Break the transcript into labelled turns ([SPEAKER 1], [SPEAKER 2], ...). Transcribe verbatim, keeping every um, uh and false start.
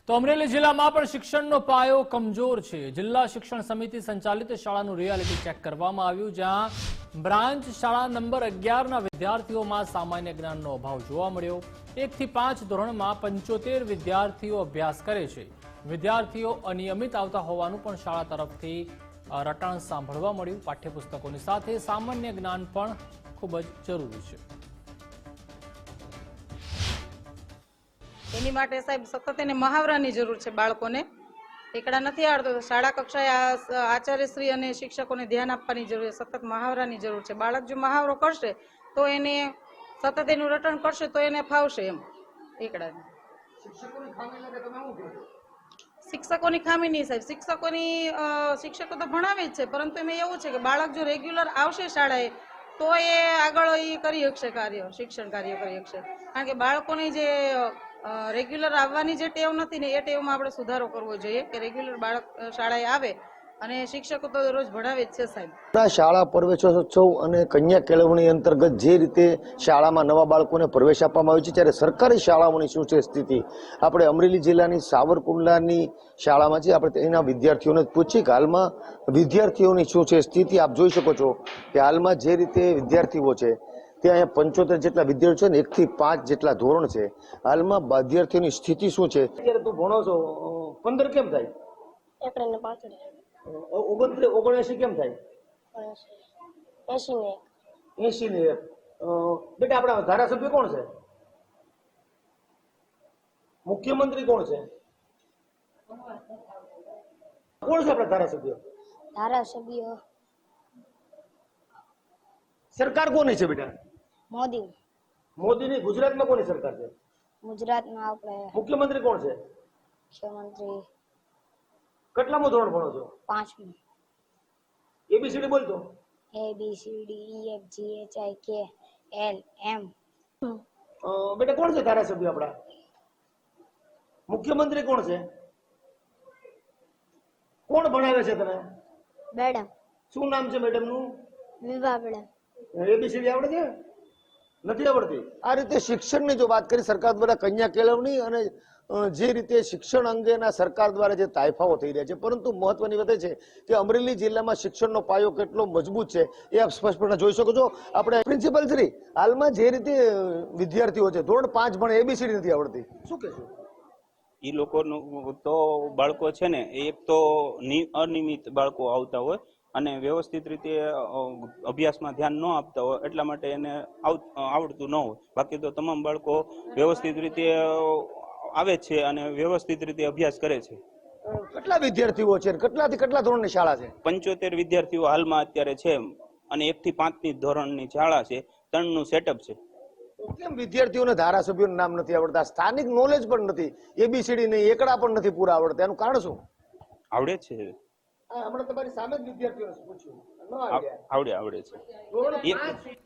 [SPEAKER 1] તો અમરેલી જિલ્લામાં પણ શિક્ષણનો પાયો કમજોર છે। જિલ્લા શિક્ષણ સમિતિ સંચાલિત શાળાનું રિયાલિટી ચેક કરવામાં આવ્યું, જ્યાં બ્રાન્ચ શાળા નંબર અગિયાર ના વિદ્યાર્થીઓમાં સામાન્ય જ્ઞાનનો અભાવ જોવા મળ્યો। એક થી પાંચ ધોરણમાં પંચોતેર વિદ્યાર્થીઓ અભ્યાસ કરે છે। વિદ્યાર્થીઓ અનિયમિત આવતા હોવાનું પણ શાળા તરફથી રટાણ સાંભળવા મળ્યું। પાઠ્યપુસ્તકોની સાથે સામાન્ય જ્ઞાન પણ ખૂબ જ જરૂરી છે।
[SPEAKER 2] એની માટે સાહેબ સતત એને મહાવરાની જરૂર છે। બાળકોને એકડા નથી આવડતો તો શાળા કક્ષાએ આચાર્યશ્રી અને શિક્ષકોને ધ્યાન આપવાની જરૂર છે। સતત મહાવરાની જરૂર છે। બાળક જો મહાવરો કરશે તો એને સતત એનું રટણ કરશે તો એને ફાવશે એમ એકડાને। શિક્ષકોની ખામી નહીં સાહેબ, શિક્ષકોની શિક્ષકો તો ભણાવે જ છે, પરંતુ એમાં એવું છે કે બાળક જો રેગ્યુલર આવશે શાળાએ તો એ આગળ એ કરી શકશે કાર્ય, શિક્ષણ કાર્ય કરી શકશે। કારણ કે બાળકોની જે રેગ્યુલર આવવાની જે ટેવ નથી ને એ ટેવમાં આપણે સુધારો કરવો જોઈએ કે રેગ્યુલર બાળક શાળાએ આવે અને શિક્ષકો તો રોજ ભણાવે જ છે સાહેબ।
[SPEAKER 3] શાળા પ્રવેશોત્સવ અને કન્યા કેળવણી અંતર્ગત જે રીતે શાળામાં નવા બાળકોને પ્રવેશ આપવામાં આવે છે, ત્યારે સરકારી શાળાઓની શું છે સ્થિતિ, આપણે અમરેલી જિલ્લાની સાવરકુંડલાની શાળામાં છે, આપણે એના વિદ્યાર્થીઓને પૂછીએ કે હાલમાં વિદ્યાર્થીઓની શું છે સ્થિતિ। આપ જોઈ શકો છો કે હાલમાં જે રીતે વિદ્યાર્થીઓ છે ત્યાં અહીંયા પંચોતેર જેટલા વિદ્યાર્થીઓ છે ને એક થી પાંચ જેટલા ધોરણ છે। હાલમાં વિદ્યાર્થીઓની સ્થિતિ શું છે? અત્યારે તું ભણો છો, પંદર કેમ થાય? ઓગણત્રીસ ઓગણએસી કેમ થાય? એસી ને એક। બેટા આપણા ધારાસભ્ય કોણ છે? મુખ્યમંત્રી કોણ છે? કોણ છે આપણા ધારાસભ્ય?
[SPEAKER 4] ધારાસભ્ય
[SPEAKER 3] સરકાર કોની છે બેટા?
[SPEAKER 4] મોદી।
[SPEAKER 3] મોદીની ગુજરાતમાં કોની સરકાર છે?
[SPEAKER 4] ગુજરાતમાં આપણે
[SPEAKER 3] મુખ્યમંત્રી કોણ છે?
[SPEAKER 4] મુખ્યમંત્રી
[SPEAKER 3] કેટલામું ધોરણ ભણો છો?
[SPEAKER 4] પાંચમું।
[SPEAKER 3] એબીસીડી બોલતો?
[SPEAKER 4] A B C D E F G H I K L એમ।
[SPEAKER 3] બેટા કોણ છે ધારાસભ્ય આપણા? મુખ્યમંત્રી કોણ છે? કોણ ભણાવે છે તને?
[SPEAKER 4] મેડમ।
[SPEAKER 3] શું નામ છે મેડમ નું?
[SPEAKER 4] વિભા મેડમ।
[SPEAKER 3] એબીસીડી આવડે છે? નથી આવડતી? આ રીતે શિક્ષણની જો વાત કરી સરકાર દ્વારા કન્યા કેળવણી અને જે રીતે શિક્ષણ અંગેના સરકાર દ્વારા જે તાયફાઓ થઈ રહ્યા છે, પરંતુ મહત્વની વાત એ છે કે અમરેલી જિલ્લામાં શિક્ષણનો પાયો કેટલો મજબૂત છે એ આપ સ્પષ્ટપણે જોઈ શકો છો। આપણે પ્રિન્સિપલ શ્રી, હાલમાં જે રીતે વિદ્યાર્થીઓ છે ધોરણ પાંચ ભણે એબીસીડી નથી આવડતી, શું કહેશો?
[SPEAKER 5] એ લોકોનું તો બાળકો છે ને એક તો અનિયમિત બાળકો આવતા હોય અને વ્યવસ્થિત રીતે અભ્યાસમાં ધ્યાન ન આપતા હોય, એટલા માટે એને આવડતું ન હોય। બાકી તો તમામ બાળકો વ્યવસ્થિત રીતે આવે છે અને વ્યવસ્થિત રીતે અભ્યાસ કરે છે।
[SPEAKER 3] કેટલા વિદ્યાર્થીઓ છે? કેટલાથી કેટલા ધોરણની શાળા છે?
[SPEAKER 5] પંચોતેર વિદ્યાર્થીઓ હાલમાં અત્યારે છે અને એક થી પાંચ ની ધોરણની શાળા છે, ત્રણ નું સેટઅપ છે।
[SPEAKER 3] કેમ વિદ્યાર્થીઓને ધારાસભ્યોનું નામ નથી આવડતા, સ્થાનિક નોલેજ પણ નથી, એબીસીડી નહીં, એકડા પણ નથી પૂરા આવડતા, એનું કારણ શું?
[SPEAKER 5] આવડે છે,
[SPEAKER 3] હમણાં તમારી સામે જ વિદ્યાર્થીઓને પૂછ્યું,
[SPEAKER 5] આવડે આવડે છે।